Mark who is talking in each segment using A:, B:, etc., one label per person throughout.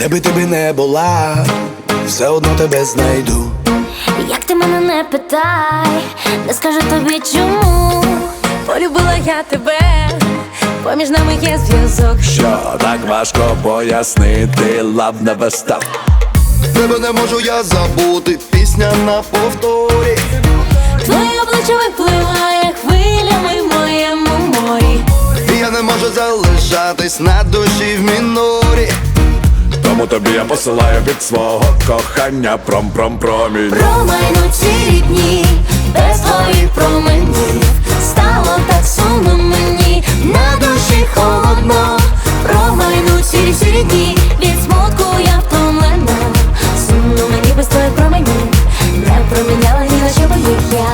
A: Де би ти би не була, все одно тебе знайду.
B: Як ти мене не питай, не скажу тобі чому. Полюбила я тебе, поміж нами є зв'язок.
A: Що так важко пояснити, love never stop.
C: Тебе не можу я забути, пісня на повторі.
B: Твоє обличчя випливає хвилями в моєму морі.
C: І я не можу залишатись на душі в мінорі.
A: Тому тобі я посилаю від свого кохання пром-пром-промінь.
B: Промайнуть ці дні, без твоїх променів. Стало так сумно мені, на душі холодно. Промайнуть ці дні, від смутку я втомлена. Сумно мені без твоїх променів, не проміняла ні на що, бо їх я.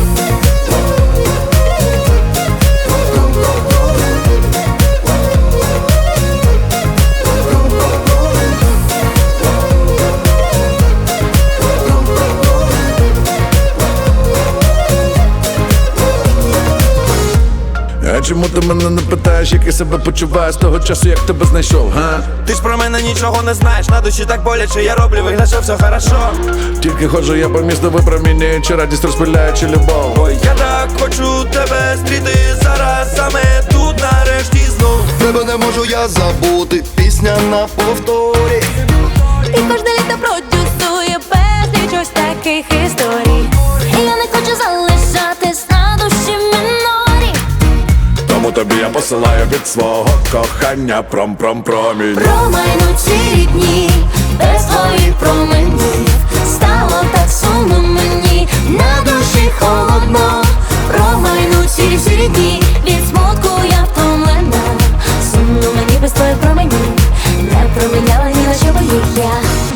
A: А чому ти мене не питаєш, як я себе почуваю з того часу, як тебе знайшов, га?
D: Ти ж про мене нічого не знаєш, на душі так боляче, я роблю вигляд, що все хорошо.
A: Тільки ходжу я по місту, випромінюючи радість, розпиляючи любов.
D: Ой, я так хочу тебе зустріти зараз, саме тут нарешті знов.
C: Тебе не можу я забути, пісня на повторі.
B: І кожне літо продюсує безліч ось таких історій. І я не хочу залишатись на душі в мінорі.
A: Тому тобі я посилаю від свого кохання пром-пром-промінь.
B: Промайнуть ці дні, без твоїх променів. Стало так сумно мені, на душі холодно. Промайнуть ці дні, від смутку я втомлена. Сумно мені без твоїх променів, не проміняла ні на що, бо їх я.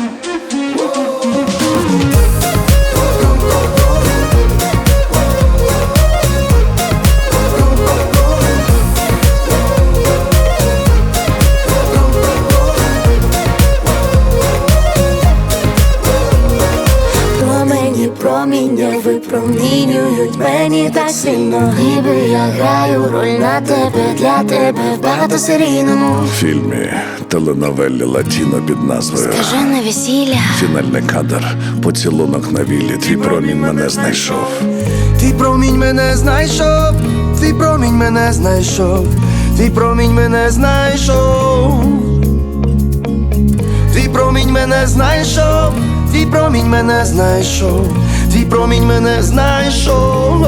B: Проміння випромінюють мені так сильно. Ніби я граю роль на тебе, для тебе в багатосерійному
A: Фільмі теленовелі Латіно під назвою
B: Скажене весілля.
A: фінальний кадр, поцілунок на віллі. Твій промінь мене знайшов.
C: Твій промінь мене знайшов, твій промінь мене знайшов, твій промінь мене знайшов. Твій промінь мене знайшов, твій промінь мене знайшов, твій промінь мене знайшов.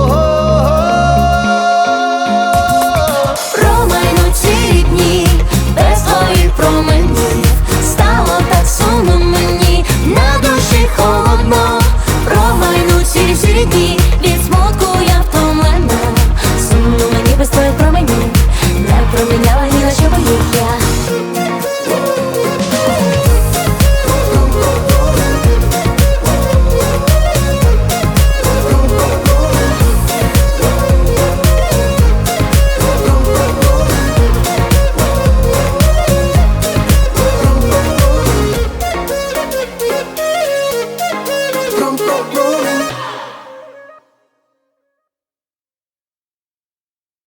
B: Промайнуть ці дні, без твоїх променів. Стало так сумно мені, на душі холодно. Промайнуть ці дні, від смутку